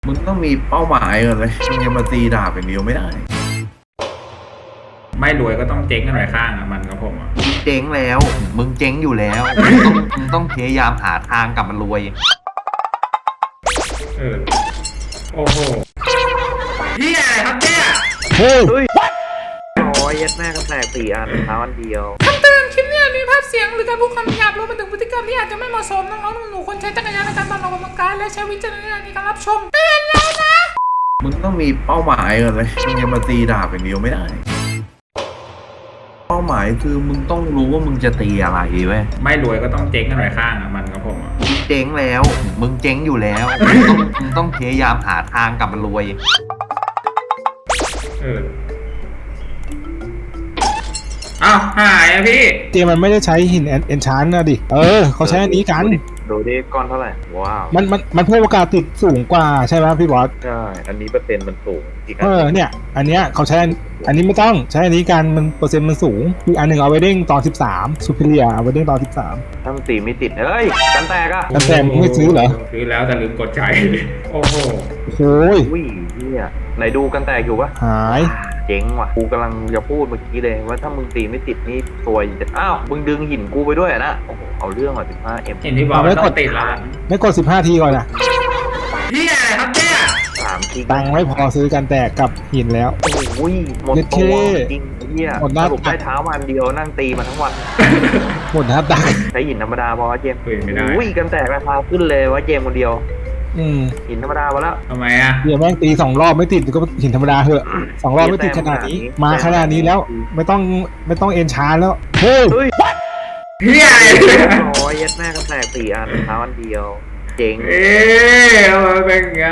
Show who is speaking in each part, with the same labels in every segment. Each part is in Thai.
Speaker 1: มึงต้องมีเป้าหมายก่อนเลยมึงจะมาตีดาบอย่างเดียวไม่ได้
Speaker 2: ไม่รวยก็ต้องเจ๊งกันหน่อยข้างอ่ะมันกับผมอ่ะ
Speaker 3: เจ๊งแล้วมึงเจ๊งอยู่แล้วมึงต้องพยายามหาทางกลับมารวย
Speaker 2: โอ้โหพี่อะไรครับเนี่ย
Speaker 1: ร้อยยัดแม่กันแตก4 อันเท้าอันเดียว
Speaker 4: คำเตือนคลิปนี้มีภาพเสียงหรือการพูดคำหยาบรวมไปถึงพฤติกรรมที่อาจจะไม่เหมาะสมน้องๆหนูๆควรใช้จักรยานในการตอนออกกำลังกายและใช้วิจารณญาณในการรับชมเตือนแล้วนะ
Speaker 1: มึงต้องมีเป้าหมายก่อนเลยมึงจะมาตีดาบอย่างเดียวไม่ได้เป้าหมายคือมึงต้องรู้ว่ามึงจะตีอะไรเว้ย
Speaker 2: ไม่รวยก็ต้องเจ๊งกันหน่อยข้างอ่ะมันกับผมอ่ะ
Speaker 3: เจ๊งแล้วมึงเจ๊งอยู่แล้วมึงต้องพยายามหาทางกลับมารวย
Speaker 2: อ้าวหายอ่ะพี่
Speaker 5: เจมันไม่ได้ใช้หินเอนชานนะดิเขาใช้อันนี้กัน
Speaker 1: ดูดิก้อนเท่าไหร่ว้าว
Speaker 5: มันเพิ่มโอกาสติดสูงกว่าใช่ไหมพี่บอส
Speaker 1: ใช่อันนี้เปอร์เซ็นต์มันสูงอีก
Speaker 5: เนี่ยอันเนี้ยเขาใช้อันนี้ไม่ต้องใช้อันนี้กันมันเปอร์เซ็นต์มันสูงอีกอันหนึ่งเอาไว้เด้งตอน13ซูเปอร์เรียเอาไว้เด้งตอน13
Speaker 1: ถ้ามันตีไม่ติดเฮ้ยกันแตกอะ
Speaker 5: กันแตกมึงไม่ซื้อเหรอ
Speaker 2: ซื้อแล้วแต่ลืมกดใจโอ้โห
Speaker 5: โอ้ย
Speaker 1: เนี่ยไหนดูกันแตกอยู่ปะ
Speaker 5: หาย
Speaker 1: เจ๋งว่ะกูกำลังจะพูดเมื่อกี้เลยว่าถ้ามึงตีไม่ติดนี่ซวยจะอ้าวมึงดึงหินกูไปด้วยนะโอ้โหเอาเรื่องอ่ะ15M
Speaker 2: เห็นที่บอกไม่ต้องติดละ
Speaker 5: ไม่กด15 ทีก่อนนะ
Speaker 2: พี่อะไรครับเนี่ย
Speaker 1: 3 ที
Speaker 5: ตังค์ไม่พอซื้อกันแตกกับหินแล้ว
Speaker 1: โอ้ยหมดตัวจริงเนี่ยสรุปได้เท้าวันเดียวนั่งตีมาทั้งวัน
Speaker 5: หมดนะครับตังค์
Speaker 1: ใช้หินธรรมดาพอเจม
Speaker 2: ไม่ได้
Speaker 1: กันแตกราคาขึ้นเลยว่าเจมคนเดียวหินธรรมดามาแล้ว
Speaker 2: ทำไมอ่ะ
Speaker 5: เดี๋ยวแม่งตี2 รอบไม่ติดก็หินธรรมดาเหอะ2 รอบไม่ติดขนาดนี้มาขนาดนี้แล้วไม่ต้องเอ็นชาร์แล้วเฮ้ย
Speaker 2: พี่อะไร
Speaker 1: ร้อยยัดแม่กันแตก4 อันเท้าอันเดียวเจ๋ง
Speaker 2: มาเป็นไง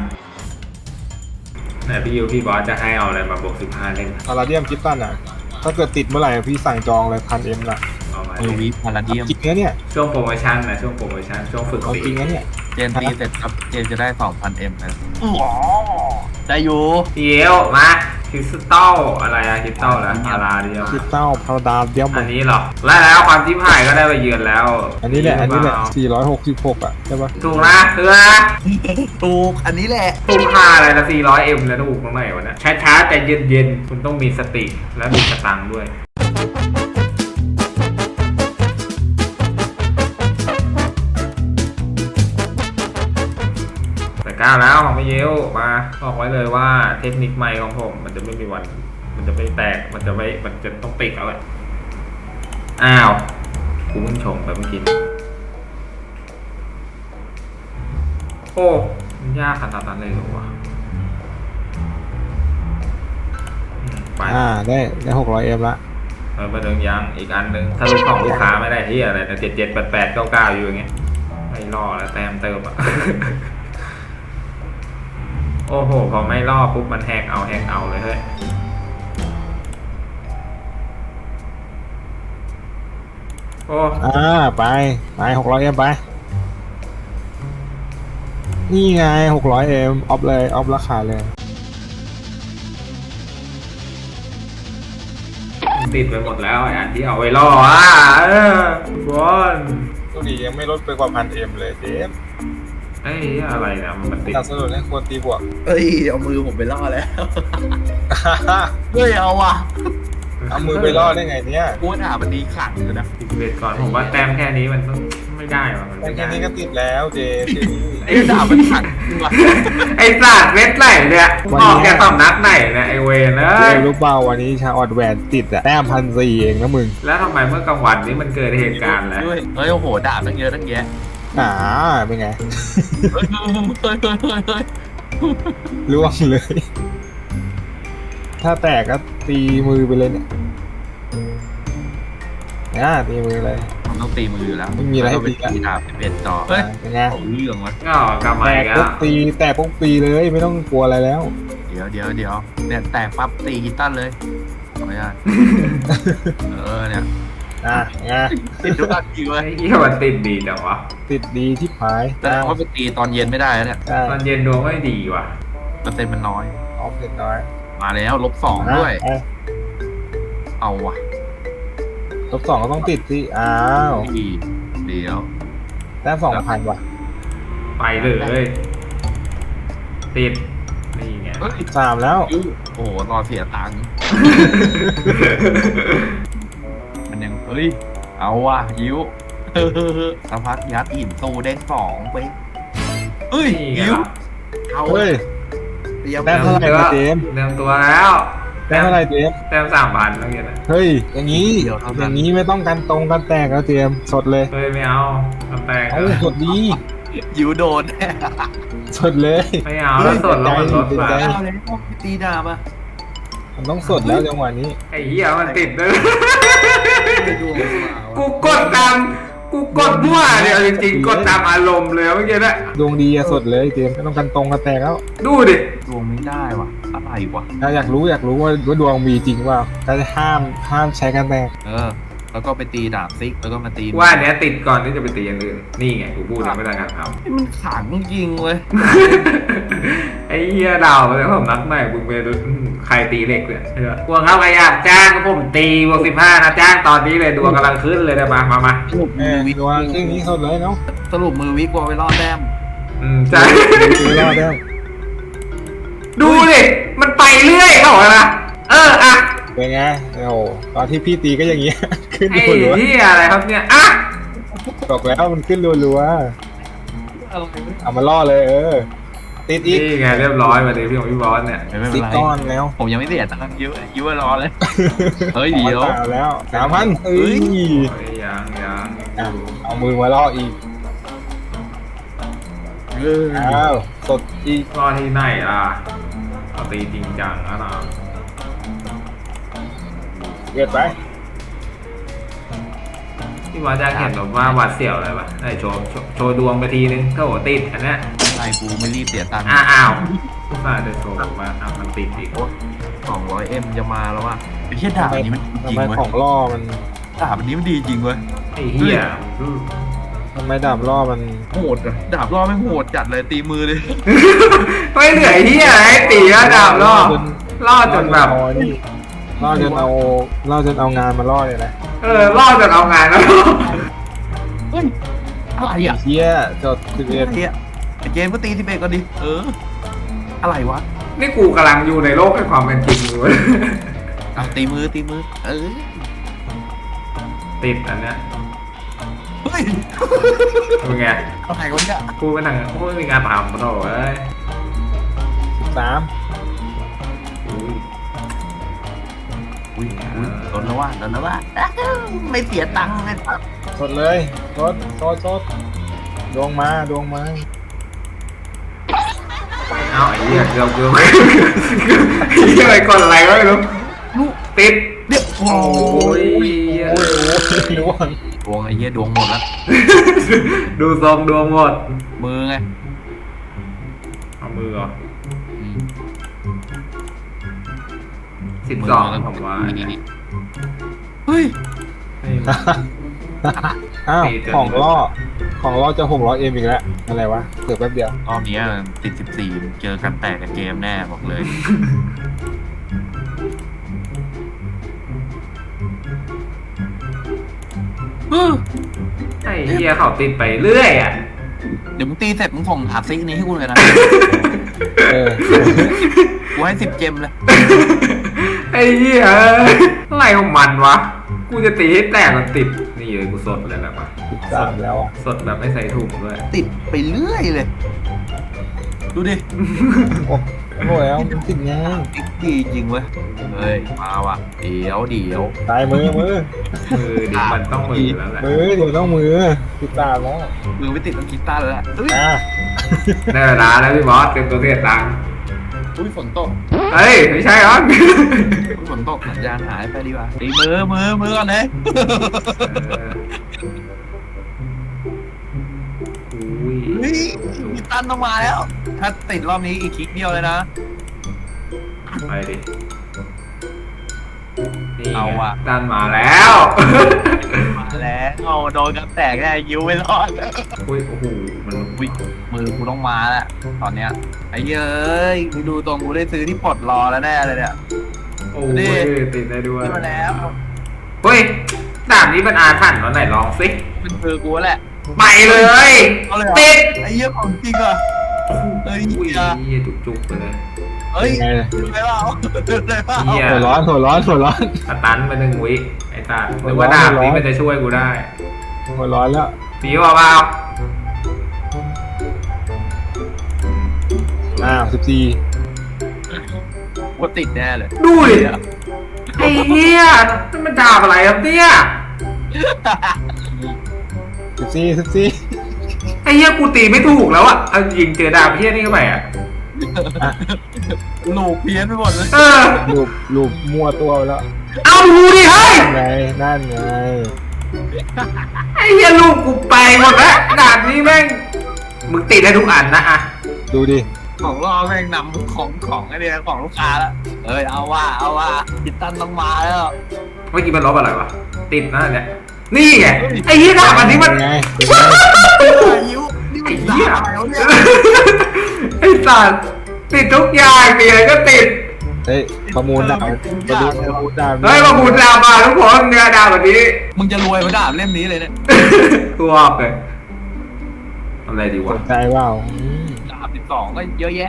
Speaker 2: ไหนพี่บอสจะให้เอาอะไรมาบวก15เล่น
Speaker 5: พาราเดียมคิดตันอ่ะถ้าเกิดติดเมื่อไหร่พี่สั่งจองเลย1,000Mละ
Speaker 3: วิพาราเดียม
Speaker 5: จริงนะเนี่ย
Speaker 2: ช่วงโปรโมชั่นนะช่วงโปรโมชั่นช่วงฝึก
Speaker 5: จริงนะเนี่ย
Speaker 3: เจนตีเสร็จครับเจนจะได้ 2,000M นะได้อยู่
Speaker 2: เดี๋ยวมาคริสตัลอะไรอะคริสตัลนะพาราเดียม
Speaker 5: คริสตัลพาราเดียม
Speaker 2: อันนี้หรอแล้วความที่ผ่ายก็ได้ไปเยือนแล้ว
Speaker 5: อันนี้แหละ466อ่ะใช่ปะ
Speaker 2: ถูกนะ
Speaker 3: ถูกอันนี้แหละ
Speaker 2: ถูกค่าอะไรนะ400M แล้วถูกตรงไหนวะเนี่ยช้าๆแต่เย็นๆคุณต้องมีสติและมีสตังค์ด้วยก้าวแล้วของพี่เยวมาบอกไว้เลยว่าเทคนิคใหม่ของผมมันจะไม่มีวันมันจะไม่แตกมันจะต้องติดเอาเลยอ้าวกูเพิ่งชงไปเมื่อกี้โอ้มันยากขนาดนั้นเลยเหรอวะ
Speaker 5: ไปได้600M ละ
Speaker 2: มาเดินยังอีกอันหนึ่งถ้าลูกของลูกค้าไม่ได้ที่อะไรนะ778899อยู่อย่างเงี้ยไม่รอแล้วแต้มเติมอ่ะโอ้โหพอไม่รอบปุ๊บมันแหกเอาเลยเฮ้ยโอ้
Speaker 5: ไป 600M ไปนี่ไง 600M ออฟเลยออฟราคาเลย
Speaker 2: ติดไปหมดแล้วอันที่เอาไว้รอบอล
Speaker 5: ตัวนี้ยังไม่ลดไปกว่า 1,000M เลยเจม
Speaker 2: อะไรนะมันติด
Speaker 5: สนับสนุนให้ควรตีบวก
Speaker 3: เอามือผมไปล่อแล้วเอาว่ะ
Speaker 5: เอามือไปล่อได้ไงเนี่ย
Speaker 3: กูด่ามันดีขังเลยนะ
Speaker 2: เวทก่อนผมว่าแต้มแค่นี้มันไม่ได้ว่ะ
Speaker 5: แต้มแค่นี้ก็ติดแล้วเจ
Speaker 3: ด่ามันขัง
Speaker 2: ไอ้สัตว์เวทไหนเนี่ยออกจากสำนักไหนเนี่ยไอเวน
Speaker 5: รู้เปล่าวันนี้ชาออดแวนติดอะแต้ม1,400เองนะมึง
Speaker 2: แล้วทำไมเมื่อกลางวันนี้มันเกิดเหตุการณ์แล้ว
Speaker 3: โอ้โหด่าตั้งเยอะตั้งแยะ
Speaker 5: เป็นไงล่วงเลยถ้าแตกก็ตีมือไปเลยเนี่ยตีมือเลย
Speaker 3: ต้องตีมืออยู่แล้ว
Speaker 5: ไม่มีอะไรให้ตี
Speaker 3: ดาบเป็นต่อ
Speaker 5: เป็นไง
Speaker 3: เรื่องวะ
Speaker 2: กำไม
Speaker 5: ก็แต่พวกตีเลยไม่ต้องกลัวอะไรแล้ว
Speaker 3: เดี๋ยวเนี่ยแตกปั๊บตีกีตันเลยขออนุญาตเนี่ย
Speaker 2: ติดทุกอันจริงเลยมันติดดีจังวะ
Speaker 5: ติดดีที่หาย
Speaker 3: แต่ว่าไปตีตอนเย็นไม่ได้เนี่ย
Speaker 2: ตอนเย็นดวงไม่ดีว่ะ
Speaker 3: เปอร์เซ็นต์มันน้อย
Speaker 5: เซ็นน้อย
Speaker 3: มาแล้ว-2ด้วยเอาว่ะ
Speaker 5: -2ก็ต้องติดสิ
Speaker 3: เดี๋ยว
Speaker 5: แต้ม 2,000 ว่ะ
Speaker 2: ไปเลยติดนี่ไง
Speaker 1: เฮ้ย
Speaker 5: 3แล้ว
Speaker 1: ยูโอ้โหรอเสียตังค์ มันยังเฮ้ยเอาว่ะยิวสักพักยัดหินตู้ได้2ไปเฮ้ย
Speaker 2: นี่ไง
Speaker 1: ยิว
Speaker 2: ล่ะ
Speaker 1: เอา
Speaker 5: เฮ้ย
Speaker 1: เตรียม
Speaker 5: ได้เท่าไหร่นะเจมส์
Speaker 2: เตรียมตัวแล้ว
Speaker 5: ได้เท่าไหร่เจมส์
Speaker 2: แต้ม3,000แล้วเงี้ยนะ
Speaker 5: เฮ้ยอย่างนี้อย่างนี้ไม่ต้องกันตรงกันแตกแล้วเจมส์สดเลย
Speaker 2: เฮ้ยไม่เอาทำแตก
Speaker 5: เอาสดดี
Speaker 1: ยิวโดนแน่
Speaker 5: สดเลย
Speaker 2: ไม่เอาแล้วสดแล้วมันลดมา
Speaker 1: เอาเลยตีดาบอ่ะ
Speaker 5: มันต้องสดแล้วจังหวะนี้
Speaker 2: ไอ้เหี้ยมันติดเลย
Speaker 1: ไม่ดวง
Speaker 2: กูกดตามกูกดมั่วเนี่ยจริงๆกดตามอารมณ์เลยเมื่อกี้นะ
Speaker 5: ดวงดีอะสดเลยเจมส์ไม่ต้องกันตรงกันแตกแล้ว
Speaker 2: ดูดิ
Speaker 1: ดวงไม่ได้ว่ะอะไรวะ
Speaker 5: ถ้าอยากรู้ว่าดวงมีจริงว่าก็จะห้ามใช้กันแตก
Speaker 1: แล้วก็ไปตีดาบซิกแล้วก็มาตี
Speaker 2: ว่าอันเนี้ยติดก่อนที่จะไปตีอย่างอื่นนี่ไงกูพูดนะไม่ได้งานท
Speaker 1: มันขังจริงเว้ย
Speaker 2: ำไอ้เหี้ยดาวเลยผมนัดใหม่มึงไปดูใครตีเหล็กเนี่ยพวกเขาใครอยากจ้างก็ผมตีบวก15นะจ้างตอนนี้เลยดวงกำลังขึ้นเลยนะมา
Speaker 1: สรุปมือวิก
Speaker 5: ดวงครึ่งนี้สดเลยเนาะ
Speaker 1: สรุปมือวิกว่าไปรอดแต้ม
Speaker 2: ใช่
Speaker 5: ดูรอดแล้ว
Speaker 2: ดูดิมันไปเรื่อยเขาบอกนะอะ
Speaker 5: เป็นไงโอ้โหตอนที่พี่ตีก็อย่างเงี้ย ขึ้น
Speaker 2: ไอ้
Speaker 5: รัว
Speaker 2: เหี้ยอะไรครับเนี่ยอะ
Speaker 5: ๆบอกแล้วมันขึ้นรัวๆเอามาล่อเลยติดอีก
Speaker 2: นี่ไงเรียบร้อยมาเลยพี่ของพี่บอสเนี่ย
Speaker 1: ไม่เป็
Speaker 5: ติ
Speaker 1: น
Speaker 5: ด
Speaker 1: ไร
Speaker 5: ก้อนแล้ว
Speaker 1: ผมยังไม่เสียตังค์ยิ้วรอเลย เฮ้ยเดี๋ยว
Speaker 5: ตาแล้ว3,000เอ้ย
Speaker 2: เฮ้ยยัง
Speaker 5: อ่ะเอามือมาล่ออีกอ้าวสดอีก
Speaker 2: รอที่ไหนล่ะเอาตีจริงจังนะ
Speaker 5: เกิดไป
Speaker 2: พี่บอสจะเห็นแบบว่าหวาดเสียวอะไรปะไอ้โชว์ดวงไปทีนึงถ้าโหติดอันเนี้ย
Speaker 1: ไอ้กูไม่รีบเสียตังค์
Speaker 2: อ้าวผู้ชายจะโชว์มามันติดอีก
Speaker 1: 200M จะมาแล้วว่ะไอ้เชี่ยดาบอันนี้มันจริง
Speaker 5: ทำไม
Speaker 1: เว้ย
Speaker 5: ของล่อมัน
Speaker 1: ดาบอันนี้มันดีจริงเว้ย
Speaker 2: ไอ้เหี้ย
Speaker 5: ทำไมดาบล่อมัน
Speaker 1: โหดอะดาบรอบไม่งโหดจัดเลยตีมือเลย
Speaker 2: ไม่เหนื่อยเหี้ยไอ้ตีก็ดาวล่อจนแบบ
Speaker 5: ล่อจนเอางานมาล่อเลยนะ
Speaker 2: ล่อจนเอางานแล้ว
Speaker 1: เฮ้ยอะไรอ่ะ
Speaker 5: เชี่ยจด11
Speaker 1: เฮียไอ้เจมส์ก็ตี11ก็ดิอะไรวะ
Speaker 2: นี่กูกำลังอยู่ในโลกแห่งความเป็นจริงอยู่
Speaker 1: เอาตีมือ
Speaker 2: ติดอันเนี้ย
Speaker 1: เฮ้ย
Speaker 2: เป็นไง
Speaker 1: อะไรวะเนี่ย
Speaker 2: กูเป็นหนังกูไม่มีงานทำมาโถ่เอ้ย
Speaker 5: 13
Speaker 1: อุ้ยโดนแล้วว่าไม่เสียตังค์เลย
Speaker 5: สดเลยสดดวงมา
Speaker 2: เอาไอ้เหี้ยเกือบไอ้เหี้ยอะไรก่อนอะไรวะไม่รู้ติด
Speaker 1: เดี๋ยวโอ้
Speaker 2: โอ้ย
Speaker 5: โอ้ยดวง
Speaker 1: ดวงไอ้เหี้ยดวงหมดแล้ว
Speaker 2: ดูทรงดวงหมด
Speaker 1: มือไง
Speaker 2: เอามือเหรอ12ผมว่า
Speaker 1: เฮ้ย
Speaker 5: อ้าวของล่อจะ600Mอีกแล้วอะไรวะเกิดแป๊บเดียว
Speaker 1: รอบนี้ติด14เจอกันแตกกับเกมแน่บอกเลย
Speaker 2: ไอ้เหี้ยเขาติดไปเรื่อยอ่ะ
Speaker 1: เดี๋ยวมึงตีเสร็จมึงส่งหาซิกนี้ให้กูเลยนะ กูให้10 เจมเลย
Speaker 2: ไอ้เหี้ยอะไรของมันวะ กูจะตีให้แตกมันติด นี่เลยกูสดเลยแบบว่า
Speaker 5: 13แล้วอ่ะ
Speaker 2: สดแบบไม่ใส่ถุงด้วย
Speaker 1: ติดไปเรื่อยเลย ดูดิ
Speaker 5: โอ้โหแล้วมันติดง่าย
Speaker 1: ดีจริงเว้ย เฮ้ย มาว่ะ เดี๋ยว
Speaker 5: ตายมือ
Speaker 2: เดี๋ยวมันต้องมือแล้วแหละ
Speaker 5: เดี๋ยวต้องมือ13แล้ว
Speaker 1: มือไม่ติดต้องกีตาร์แล้วแหละเฮ้ย
Speaker 2: ได้เวลาแล้วพี่บอสเต็มตัวเสียตังค์
Speaker 1: อุ้ยฝนตก
Speaker 2: เฮ้ย ไม่ใช่หรอ
Speaker 1: อุ้ยฝนตกสัญญาณหายไปดีกว่าตีมือก่อนเลย
Speaker 2: อุ้ย
Speaker 1: เฮ้ยกีตาร์ต้องมาแล้ว ถ้าติดรอบนี้อีกคลิกเดียวเลยนะ
Speaker 2: ไปดินี่
Speaker 1: เอาว่ะ
Speaker 2: ดันมาแล้ว
Speaker 1: มาแล้วเอาโดนกันแตกแน่ยิ้วไม่รอด
Speaker 2: อุ้ยโอ้โหมัน
Speaker 1: อุ้ยมือกูต้องมาแล้วตอนเนี้ยไอ้เย้ยมึงดูตรงกูได้ซื้อที่ปลดรอแล้วแน่เลยเนี่ย
Speaker 2: โอ้ยติดได้ด้วย
Speaker 1: ขึ้นมาแล้ว
Speaker 2: เฮ้ยดาบนี้มันอาถรรพ์ตอนไหนลองสิ
Speaker 1: เป็นมือกูแหละ
Speaker 2: ไปเลย
Speaker 1: เอาเลยเหรอ
Speaker 2: ติด
Speaker 1: ไอ้เหี้ยของจริงอ่ะเฮ้ย
Speaker 2: อุ้ย
Speaker 1: อย่า
Speaker 2: เหี้ยจุกๆไปเลย
Speaker 1: เฮ้ย
Speaker 5: ยังไง
Speaker 1: ดูไงเปล่าดูไงเปล่า
Speaker 2: เหี้ย
Speaker 5: หัวร้อนหัวร้อนหัวร้อน
Speaker 2: สตันไป1 วิไอ้ตาหรือว่าดาบนี้มันจะช่วยกูได้
Speaker 5: หัวร้อนแล้ว
Speaker 2: ผีว่าเปล่า
Speaker 5: 14
Speaker 1: ว่าติดแน่เลย
Speaker 2: ดูดิไอ้เหี้ยนี่มันดาบอะไรครับเนี่ย
Speaker 5: 14
Speaker 2: ไอ้เหี้ยกูตีไม่ถูกแล้วอะเอาจริงเจอดาบเหี้ยนี่เข้าไปอะ
Speaker 1: หลูกเพี้ยนไปหมดเลย
Speaker 2: เออ
Speaker 5: รูปมั่วตัวไปแล้ว
Speaker 2: เอาดูดิเฮ้ย
Speaker 5: นั่นไง
Speaker 2: ไอ้เหี้ยลูกกูไปหมดแล้วดาบนี้แม่งมึงติดได้ทุกอันนะอะ
Speaker 5: ดูดิ
Speaker 1: ของรอแม่งนำของไอเนี่ยของลูกค้าแล้วเอ้ยเอาว่าคิตตันต้องมาแล้ว
Speaker 2: เมื่อกี้มันลบอะไรวะติดนะเนี่ยนี่ไงไอ้เหี้ยดาบอันนี้มัน
Speaker 5: เป็นไง
Speaker 1: ยิ้วนี่
Speaker 2: ไอ้
Speaker 1: มัน
Speaker 2: เหี้ย
Speaker 1: ด่าอะไรวะเนี่ย
Speaker 2: ไอ้สัตว์ติดทุกอย่างเปียก็ติด
Speaker 5: เฮ้ยประมูลดาวประมูลดาว
Speaker 2: เฮ้ยมาบูดดาบมาทุกคนเนี่ยดาบแบบนี้
Speaker 1: มึงจะรวยมาด่าเล่มนี้เลยเนี่ย
Speaker 2: ตัวออกเลยอะไรดี
Speaker 5: ส
Speaker 2: วะ
Speaker 5: นใจเปล่า
Speaker 1: ดาบ12ก็เยอะแยะ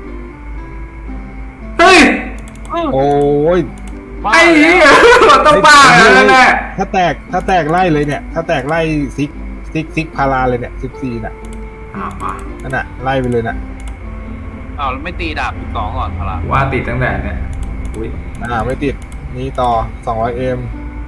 Speaker 2: เฮ้ย
Speaker 5: โอ้ย
Speaker 2: ไอ้เหี้ยมันต้องบ้าแล้วแหละ
Speaker 5: ถ้าแตกไล่เลยเนี่ย ถ้าแตกไล่ซิกพาราเลยเนี่ย14น่ะ
Speaker 2: มา
Speaker 5: นั่นน่ะไล่ไปเลยน่ะ
Speaker 1: อ้าวแล้วไม่ตีดาบ12ก่อนอะไร
Speaker 2: ว่าติดตั้งแต่เนี่ยอุ้ย
Speaker 5: ไม่ติดนี่ต่อ 200M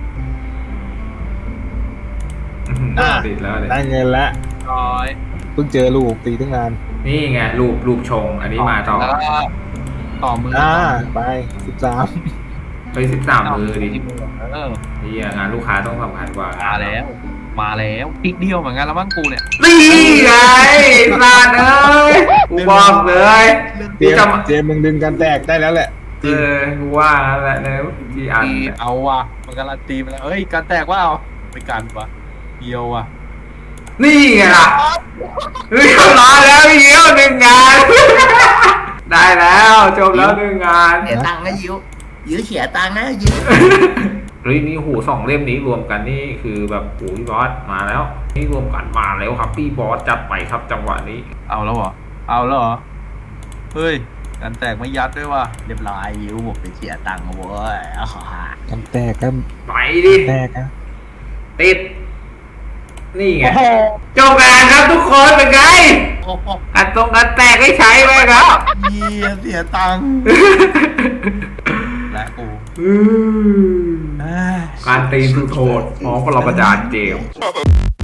Speaker 2: ติดแล้วเลย
Speaker 5: ได้เงินแล้ว
Speaker 1: ร้อย
Speaker 5: เพิ่งเจอลูกตีตั้งนาน
Speaker 2: นี่ไงรูปชง อันนี้มาต่อ
Speaker 1: แล้วก็ต่อมือ
Speaker 5: ไป13
Speaker 2: ไป13 มือดิ
Speaker 1: เออ
Speaker 2: นี่งานลูกค้าต้องสำคัญกว่า
Speaker 1: มาแล้วอีกเดียวเหมือนกันแล้วมั้งกูเนี่ย
Speaker 2: นี่ไงลาดเอ้ยกูบอกเลย
Speaker 5: เจมมึงดึงกันแตกได้แล้วแหละ
Speaker 2: กูว่าแล้วแหละเนี่ยที่อัน
Speaker 1: เอาว่ะมันการันตีมาแล้วเอ้ยการแตกว่าเอาไม่กันปะเดียวว่ะ
Speaker 2: นี่ไงล่ะเฮ้ยร้อยแล้วพี่เยี่ยว1 งาน ได้แล้วจบแล้ว1 งาน
Speaker 1: เสียตังค์นะยิ้วเสียตังค์นะยิ้ว
Speaker 2: เฮ้ยนี่หู2 เล่มนี้รวมกันนี่คือแบบโอ้ยบอสมาแล้ว นี่รวมกันมาแล้วครับพี่บอสจัดไปครับจังหวะนี้
Speaker 1: เอาแล้วเหรอเฮ้ยการแตกไม่ยัดด้วยว่ะเรียบร้อยยิ้วบอกไปเสียตังค์เว้ย
Speaker 5: กันแตกกัน
Speaker 2: ไปดิ
Speaker 5: แตกอะ
Speaker 2: ติด นี่ไงจบงานครับทุกคนเป็นไง
Speaker 1: โอ้โห
Speaker 2: กันแตกให้ใช้ไหมครับ
Speaker 1: เสียตังค์และกู
Speaker 2: การตีนสุดโทษของปรมาจารย์เจมส์